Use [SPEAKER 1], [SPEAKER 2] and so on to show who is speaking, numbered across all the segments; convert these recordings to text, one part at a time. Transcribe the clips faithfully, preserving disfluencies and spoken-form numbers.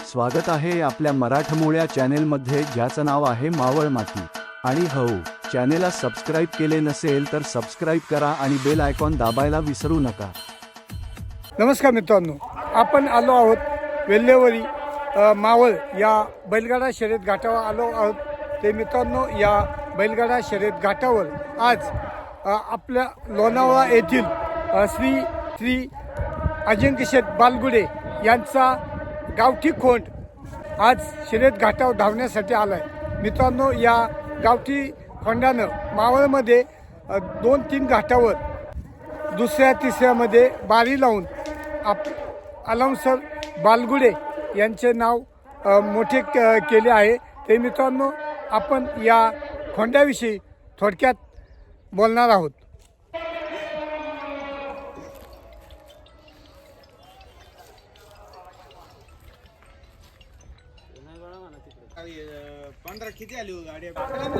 [SPEAKER 1] स्वागत आहे आपल्या मराठमोळ्या चॅनेलमध्ये, ज्याचं नाव आहे मावळ माती. आणि हो, चॅनेलला सबस्क्राईब केले नसेल तर सबस्क्राईब करा आणि बेल आयकॉन दाबायला विसरू नका.
[SPEAKER 2] नमस्कार मित्रांनो, आपण आलो आहोत वेल्हेवरी अ, मावळ या बैलगाडा शर्यत घाटावर आलो आहोत. ते मित्रांनो, या बैलगाडा शर्यत घाटावर आज अ, आपल्या लोणावळा येथील अ, श्री श्री अजिंक्य शेठ बालगुडे यांचा गावठी खोंड आज शर्यत घाटावर धावण्यासाठी आला आहे. मित्रांनो, या गावठी खोंडानं मावळमध्ये अ, दोन तीन घाटावर दुसऱ्या तिसऱ्यामध्ये बारी लावून आप अलाउन्सर बालगुडे यांचे नाव अ, मोठे क केले आहे. ते मित्रांनो, आपण या खोंड्याविषयी थोडक्यात बोलणार आहोत.
[SPEAKER 3] पंधरा किती आली हो गाडी?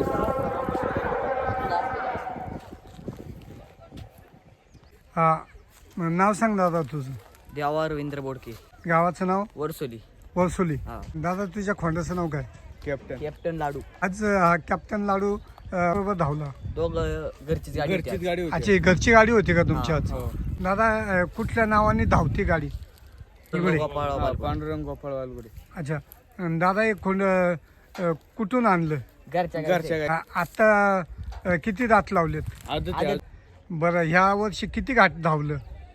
[SPEAKER 2] हा, नाव सांग दादा तुझं.
[SPEAKER 4] देवा रवींद्र बोडके,
[SPEAKER 2] गावाचं नाव
[SPEAKER 4] वरसोली.
[SPEAKER 2] वरसोली.
[SPEAKER 4] हा.
[SPEAKER 2] दादा, तुझ्या खोंड्याचं नाव काय?
[SPEAKER 3] कॅप्टन.
[SPEAKER 4] कॅप्टन लाडू.
[SPEAKER 2] आज हा कॅप्टन लाडू अ, बरोबर धावला.
[SPEAKER 4] दोघ घरचीच गाडी होती
[SPEAKER 3] घरचीच
[SPEAKER 4] आज.
[SPEAKER 3] गाडी होती.
[SPEAKER 2] अच्छा, घरची गाडी होती का तुमची
[SPEAKER 4] हा,
[SPEAKER 2] आज?
[SPEAKER 3] हो.
[SPEAKER 2] दादा, अ, कुठल्या नावाने धावती गाडी?
[SPEAKER 4] सर्व गोपाळ
[SPEAKER 3] हा,
[SPEAKER 4] बालगुडे.
[SPEAKER 3] पांडुरंग गोपाळ वालगुडे.
[SPEAKER 2] अच्छा. अन दादा, एक खोंड अ, कुठून आणलं?
[SPEAKER 4] घरच्या
[SPEAKER 3] घरच्या
[SPEAKER 4] गाडी.
[SPEAKER 2] आ- आता अ, किती दात लावलेत?
[SPEAKER 3] आदत
[SPEAKER 4] आदत.
[SPEAKER 2] बरं, ह्या वर्षी किती घाट धावलं?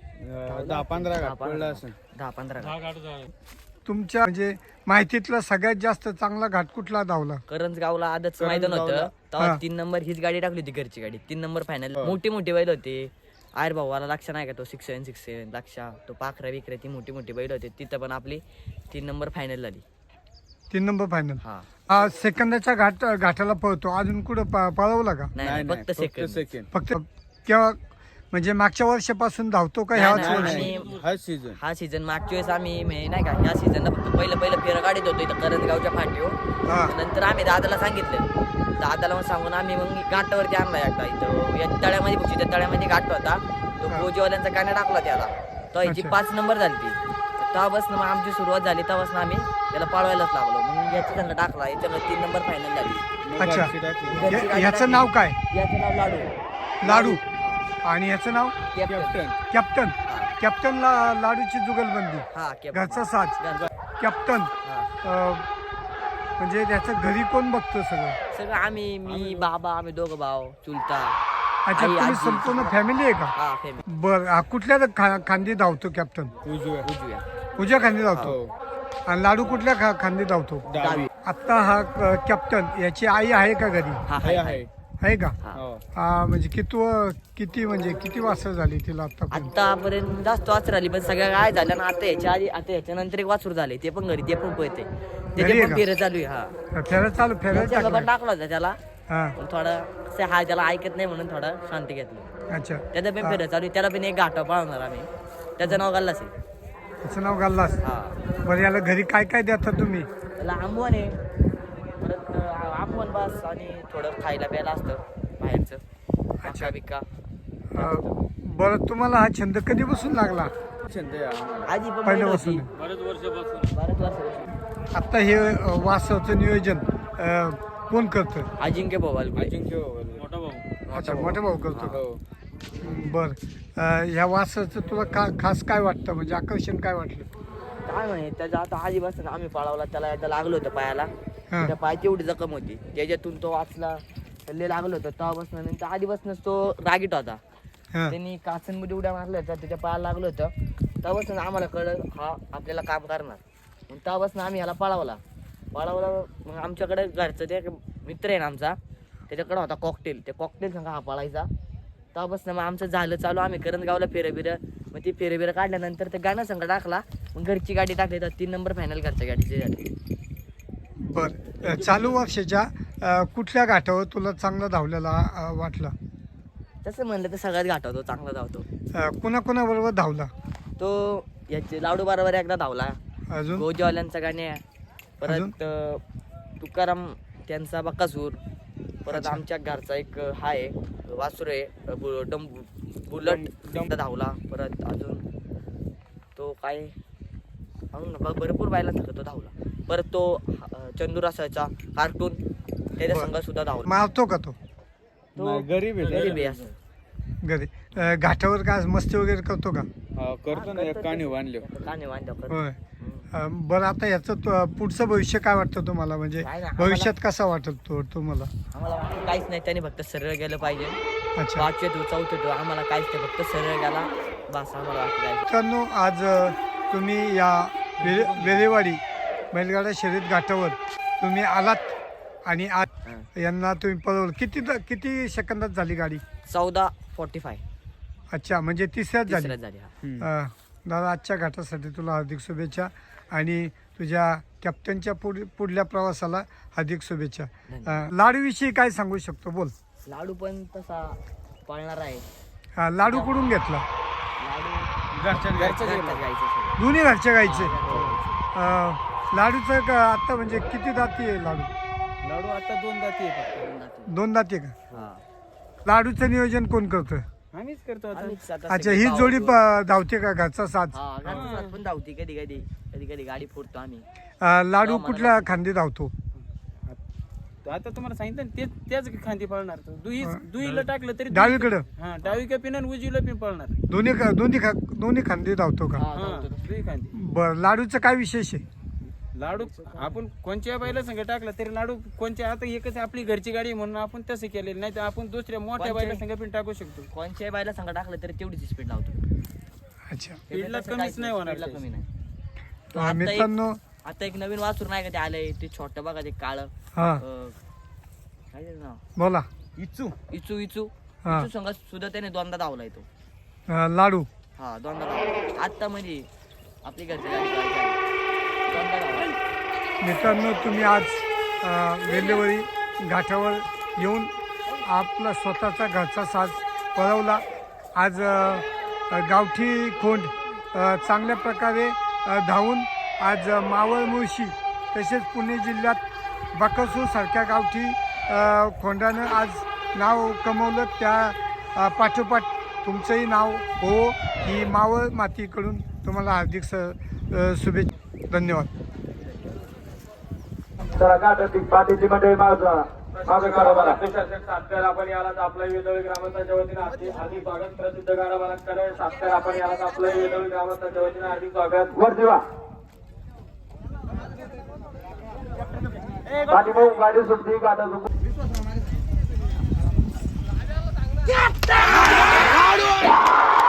[SPEAKER 3] अं, दहा पंधरा
[SPEAKER 4] दहा
[SPEAKER 3] घाट पडला असेल.
[SPEAKER 4] दहा पंधरा गाडी.
[SPEAKER 2] तुमच्या म्हणजे माहितीतला सगळ्यात जास्त चांगला घाट कुठला धावला?
[SPEAKER 4] करंजगावला आदतच
[SPEAKER 3] करंजगावला.
[SPEAKER 4] मैदान होतं
[SPEAKER 2] हा.
[SPEAKER 4] तेव्हा तीन नंबर हीच गाडी टाकली होती, घरची गाडी. तीन नंबर फायनल.
[SPEAKER 3] हो.
[SPEAKER 4] मोठी मोठी बैल होते. आयर भाऊला लक्ष नाही का, तो सिक्स सेवन सिक्स सेवन लक्ष, तो पाखरा विकरे, ती मोठी मोठी बैल होते. तिथं पण आपली तीन नंबर फायनल झाली.
[SPEAKER 2] तीन नंबर फायनल.
[SPEAKER 4] हा.
[SPEAKER 2] हा, सेकंदाच्या घाट घाटाला पळतो. अजून कुठं प- पळवला का?
[SPEAKER 4] नाही
[SPEAKER 3] नाही
[SPEAKER 4] नाही,
[SPEAKER 3] नाही,
[SPEAKER 4] फक्त सेकंड.
[SPEAKER 3] सेकंड.
[SPEAKER 2] फक्त केव्हा म्हणजे मागच्या वर्षापासून धावतो का ह्या
[SPEAKER 4] नाही, नाही,
[SPEAKER 2] वर्षी?
[SPEAKER 4] आणि-
[SPEAKER 3] हा सीझन.
[SPEAKER 4] हा सीझन मागच्या वेळेस आम्ही म्हणजे नाही का, ह्या सीझनला फक्त पहिलं पहिलं फेरं गाडीत होतो इथं करंजगावच्या फाटीवर.
[SPEAKER 2] हा.
[SPEAKER 4] नंतर आम्ही दादाला सांगितलं, दादाला मग सांगून आम्ही मग घाटावरती आणला एकदा. इथं या तळ्यामध्ये बघू, त्या तळ्यामध्ये घाट होता. तो
[SPEAKER 2] हा.
[SPEAKER 4] गोजीवाल्यांचा गाण्या टाकला त्याला, तो ह्याची
[SPEAKER 2] अच्छा.
[SPEAKER 4] पाच नंबर झाली ती. तेव्हापासून मग आमची सुरुवात झाली, तेव्हापासून आम्ही त्याला पळवायलाच लागलो. मग याची संघ टाकला, याच्यानं तीन नंबर फायनल झाली.
[SPEAKER 2] अच्छा.
[SPEAKER 3] घरची टाकली.
[SPEAKER 4] घरची
[SPEAKER 2] या-
[SPEAKER 4] गाडी
[SPEAKER 2] याचं
[SPEAKER 4] टाकली.
[SPEAKER 2] नाव काय?
[SPEAKER 4] याचं नाव लाडू.
[SPEAKER 2] लाडू. आणि याचं नाव?
[SPEAKER 4] कॅप्टन.
[SPEAKER 3] कॅप्टन.
[SPEAKER 2] कॅप्टन. कॅप्टन ला लाडूची जुगलबंदी.
[SPEAKER 4] हा, कॅप्टन.
[SPEAKER 2] घरचा साज.
[SPEAKER 4] घरचा.
[SPEAKER 2] कॅप्टन.
[SPEAKER 4] हा.
[SPEAKER 2] अ, म्हणजे त्याचं घरी कोण बघतो सगळं?
[SPEAKER 4] सगळं आम्ही, मी, बाबा, आम्ही दोघं भाव, चुलता.
[SPEAKER 2] अच्छा,
[SPEAKER 4] आई,
[SPEAKER 2] तुम्ही
[SPEAKER 4] आजी.
[SPEAKER 2] संपूर्ण फॅमिली आहे का?
[SPEAKER 4] हा, फॅमिली.
[SPEAKER 2] बरं, हा, कुठल्या खा- खांदी धावतो कॅप्टन?
[SPEAKER 3] उजव्या.
[SPEAKER 4] उजव्या.
[SPEAKER 2] उजव्या खांदी धावतो.
[SPEAKER 3] हो.
[SPEAKER 2] आणि लाडू कुठल्या खा- खांदी धावतो?
[SPEAKER 3] डावी.
[SPEAKER 2] आता हा क- कॅप्टन, याची आई आहे का घरी?
[SPEAKER 4] हा,
[SPEAKER 3] आहे
[SPEAKER 4] हाय,
[SPEAKER 3] आहे.
[SPEAKER 2] आहे का?
[SPEAKER 4] हा.
[SPEAKER 3] हो.
[SPEAKER 2] हा, म्हणजे किती किती म्हणजे किती वाजता झाली तिला आता?
[SPEAKER 4] आतापर्यंत जास्त वासर आली, पण सगळ्या काय झाल्या ना, आता याच्या आधी, आता याच्या नंतर एक वासरूर झाले, ते पण घरी, ते पण पळते.
[SPEAKER 2] घरी
[SPEAKER 4] त्याचे
[SPEAKER 2] आहे
[SPEAKER 4] पण
[SPEAKER 2] का?
[SPEAKER 4] फेरं चालू आहे. हा,
[SPEAKER 2] फेरत चालू फेरत
[SPEAKER 4] त्याच्या बाबा
[SPEAKER 2] टाकलं.
[SPEAKER 4] टाकला होता त्याला,
[SPEAKER 2] हा,
[SPEAKER 4] पण थोडा असं हा त्याला ऐकत नाही म्हणून थोडा शांती घेतली.
[SPEAKER 2] अच्छा.
[SPEAKER 4] त्याचं पण फेरं चालू आहे. त्याला पण एक घाटा पाळणार आम्ही. त्याचं नाव गल्लास आहे.
[SPEAKER 2] त्याचं नाव घाललास.
[SPEAKER 4] हा,
[SPEAKER 2] बरं, याला घरी काय काय देता तुम्ही?
[SPEAKER 4] त्याला आंबवण आहे, परत अं, आंबवण बस आणि थोडं खायला प्यायला असतं बाहेरचं. अच्छा बिक्का.
[SPEAKER 2] अं, बरं, तुम्हाला हा छंद कधीपासून लागला?
[SPEAKER 3] छंद आहे आम्हाला.
[SPEAKER 4] आधी पण बैल
[SPEAKER 2] पहिल्यापासून.
[SPEAKER 4] होती. बरेच वर्षापासून.
[SPEAKER 2] आता हे अं, वासवचं नियोजन अं, कोण करतं?
[SPEAKER 4] अजिंक्य भोवाल.
[SPEAKER 3] अजिंक्य वालगुडे.
[SPEAKER 2] अच्छा, मोठा भाऊ करतो.
[SPEAKER 3] हो.
[SPEAKER 2] बर, ह्या वासाचं तुला का खास काय वाटतं, म्हणजे आकर्षण काय वाटलं?
[SPEAKER 4] काय म्हणे, त्याच्या आता आधीपासून आम्ही पळवला, त्याला एकदा लागलं होतं पायाला.
[SPEAKER 2] हा.
[SPEAKER 4] त्याच्या पायाची एवढी जखम होती, त्याच्यातून तो वाचला, त्याला लागलं होतं तेव्हापासून. नंतर आधीपासूनच तो रागीट होता.
[SPEAKER 2] हा.
[SPEAKER 4] त्यांनी काचनमध्ये उड्या मारल्या होत्या, त्याच्या पायाला लागलं होतं. तेव्हापासून आम्हाला कळलं हा आपल्याला काम करणार. मग तेव्हापासून आम्ही ह्याला पळवला पळवला मग आमच्याकडे घरचं ते एक मित्र आहे ना आमचा, त्याच्याकडे होता कॉकटेल. ते कॉकटेल सांगा हा पळायचा. तेव्हापासून मग आमचं झालं चालू. आम्ही करंजगावला फेरं बिरं, मग ती फेरं बिरं काढल्यानंतर ते गाणं संघ टाकला. मग घरची गाडी टाकली, तर तीन नंबर फायनल घरच्या गाडीची झाली.
[SPEAKER 2] बर, अं, चालू वर्षाच्या अं, कुठल्या घाटावर तुला चांगला धावलेला अं, वाटला?
[SPEAKER 4] तसं म्हणलं तर सगळ्यात घाटवतो, चांगला धावतो
[SPEAKER 2] अं, कुणाकुणाबरोबर धावला?
[SPEAKER 4] तो. याचे लाडू बरोबर एकदा धावला,
[SPEAKER 2] अजून
[SPEAKER 4] गोजवाल्यांचा गाणे,
[SPEAKER 2] अजून?
[SPEAKER 4] परत अं, तुकाराम त्यांचा बक्कासूर, परत
[SPEAKER 2] अच्छा.
[SPEAKER 4] आमच्या घरचा एक हा आहे वासुर आहे बु- डम बुलट
[SPEAKER 3] डम-
[SPEAKER 4] एकदा धावला. परत अजून तो काय मग भ- भरपूर बैलांचा तो धावला. परत तो अं, चंदूर असायचा कार्टून त्याच्या संघ सुद्धा धावला.
[SPEAKER 2] मारतो का तो
[SPEAKER 4] तो
[SPEAKER 3] नाही, गरीब आहे
[SPEAKER 4] गरीब आहे असं.
[SPEAKER 2] घरी अ, घाटावर का मस्ती वगैरे करतो का?
[SPEAKER 3] हा, करतो ना एक काणी बांधले
[SPEAKER 4] काने बांधल्यावर करतो.
[SPEAKER 2] होय.
[SPEAKER 4] हम्म.
[SPEAKER 2] अ, बरं आता याचं तो- पुढचं भविष्य काय वाटतं तुम्हाला? म्हणजे
[SPEAKER 4] काय नाही, आम्हाला-
[SPEAKER 2] भविष्यात कसा वाटत तो तुम्हाला?
[SPEAKER 4] आम्हाला वाटलं काहीच नाही, त्याने फक्त सरळ गेलं पाहिजे.
[SPEAKER 2] अच्छा.
[SPEAKER 4] पाचवे तो चौथे तो आम्हाला काहीच नाही, फक्त सरळ गेला बस आम्हाला वाटलं काय.
[SPEAKER 2] मित्रांनो, आज अ, तुम्ही या वेरे वेरेवाडी बैलगाडा शर्यत घाटावर तुम्ही आलात आणि आज
[SPEAKER 4] हा.
[SPEAKER 2] यांना तुम्ही पळवलं. किती किती सेकंदात झाली गाडी?
[SPEAKER 4] चौदा फोर्टी फाय
[SPEAKER 2] अच्छा, म्हणजे तिसऱ्याच झाली.
[SPEAKER 4] तिसऱ्यात झाली हा.
[SPEAKER 2] अ, दादा, आजच्या घाटासाठी तुला हार्दिक शुभेच्छा आणि तुझ्या कॅप्टनच्या पुढ पुढल्या प्रवासाला हार्दिक शुभेच्छा. अ, लाडूविषयी काय सांगू शकतो? बोल.
[SPEAKER 4] लाडू पण तसा पळणार आहे.
[SPEAKER 2] हा, लाडू कुठून घेतला?
[SPEAKER 4] लाडू
[SPEAKER 3] घरच्या
[SPEAKER 4] घरच्या गाईचं सगळं.
[SPEAKER 2] दोन्ही घरच्या गाईचे.
[SPEAKER 4] हा,
[SPEAKER 2] अ, लाडूचं का आता म्हणजे किती दाती आहे लाडू?
[SPEAKER 3] लाडू आता दोन जाती आहे फक्त.
[SPEAKER 4] दोन दाती.
[SPEAKER 2] दोन दाती आहे का?
[SPEAKER 4] हा.
[SPEAKER 2] लाडूचं नियोजन कोण करतं?
[SPEAKER 3] आम्हीच करतो आता.
[SPEAKER 4] आम्हीच आता
[SPEAKER 2] अच्छा,
[SPEAKER 4] सगळे
[SPEAKER 2] ही
[SPEAKER 4] भाऊ-
[SPEAKER 2] जोडी प- धावते का घरचा साथ?
[SPEAKER 4] हा, घरचा साथ पण धावती कधी कधी कधी कधी गाडी फोडतो आम्ही.
[SPEAKER 2] अ, लाडू
[SPEAKER 4] हो, मला
[SPEAKER 2] कुठल्या खांदी धावतो?
[SPEAKER 3] आता तुम्हाला सांगितलं ना, तेच त्याच खांदी पळणार तो. दुई दुईला टाकलं तरी दुई-
[SPEAKER 2] डावीकडं
[SPEAKER 3] हा, डावी का पिन आणि उजवीला पिन पळणार.
[SPEAKER 2] दोन्ही का- दोन्ही खा दोन्ही खांदी धावतो का?
[SPEAKER 4] हा,
[SPEAKER 3] हा,
[SPEAKER 4] धावतो तो.
[SPEAKER 3] दुई खांदी.
[SPEAKER 2] बरं, लाडूचं काय विशेष आहे?
[SPEAKER 3] लाडू आपण कोणत्या बैला संग टाकला तरी लाडू कोणत्या, आता एकच आपली घरची गाडी आहे म्हणून आपण तसं केलेलं नाही, तर आपण दुसऱ्या मोठ्या
[SPEAKER 4] कोणत्या-
[SPEAKER 3] बैला संग पण टाकू शकतो.
[SPEAKER 4] कोणच्याही बायला संग टाकलं तरी तेवढीच स्पीड लावतो.
[SPEAKER 2] अच्छा.
[SPEAKER 3] स्पीडला
[SPEAKER 4] तसं
[SPEAKER 3] कमीच
[SPEAKER 4] काहीच
[SPEAKER 3] नाही होणार
[SPEAKER 4] स्पीडला
[SPEAKER 3] ते.
[SPEAKER 4] कमी नाही. तो
[SPEAKER 2] अ,
[SPEAKER 4] आता एक-
[SPEAKER 2] मित्रांनो,
[SPEAKER 4] आता एक नवीन वासूर नाही का ते आलंय ते छोटं बघा ते काळ
[SPEAKER 2] हा
[SPEAKER 4] काय त्याचं नाव
[SPEAKER 2] बोला.
[SPEAKER 3] इच्छू
[SPEAKER 4] इचू इचू
[SPEAKER 2] हा.
[SPEAKER 4] इचू संघ सुद्धा त्याने दोनदा धावलाय तो.
[SPEAKER 2] अ, लाडू
[SPEAKER 4] हा दोनदा धावला आता म्हणजे आपली घरची गाडी पळायची आहे. दोनदा धावला.
[SPEAKER 2] मित्रांनो, तुम्ही आज अ, वेल्हेवाडी घाटावर येऊन आपला स्वतःचा घरचा साज पळवला. आज अ, गावठी खोंड अ, चांगल्या प्रकारे अ, धावून आज अ, मावळ मुळशी तसेच पुणे जिल्ह्यात बकासूर सारख्या गावठी अ, खोंडानं आज नाव कमवलं. त्या अ, पाठोपाठ तुमचंही नाव हो ही मावळ मातीकडून तुम्हाला हार्दिक स अ, शुभेच्छा. धन्यवाद.
[SPEAKER 5] चला काटातील पाठीची मंडळी माझा मागे करा मला.
[SPEAKER 6] सातकर आपण याला आपल्या वेदोळी ग्रामस्थांच्या वतीने हार्दिक हार्दिक स्वागत. प्रसिद्ध गाडा बालककडे सातकर आपण याला आपल्या वेदोळी ग्रामस्थांच्या वतीने हार्दिक स्वागत.
[SPEAKER 5] वर देवा पाठी भाऊ गाडी सुटली गाडा सुटली.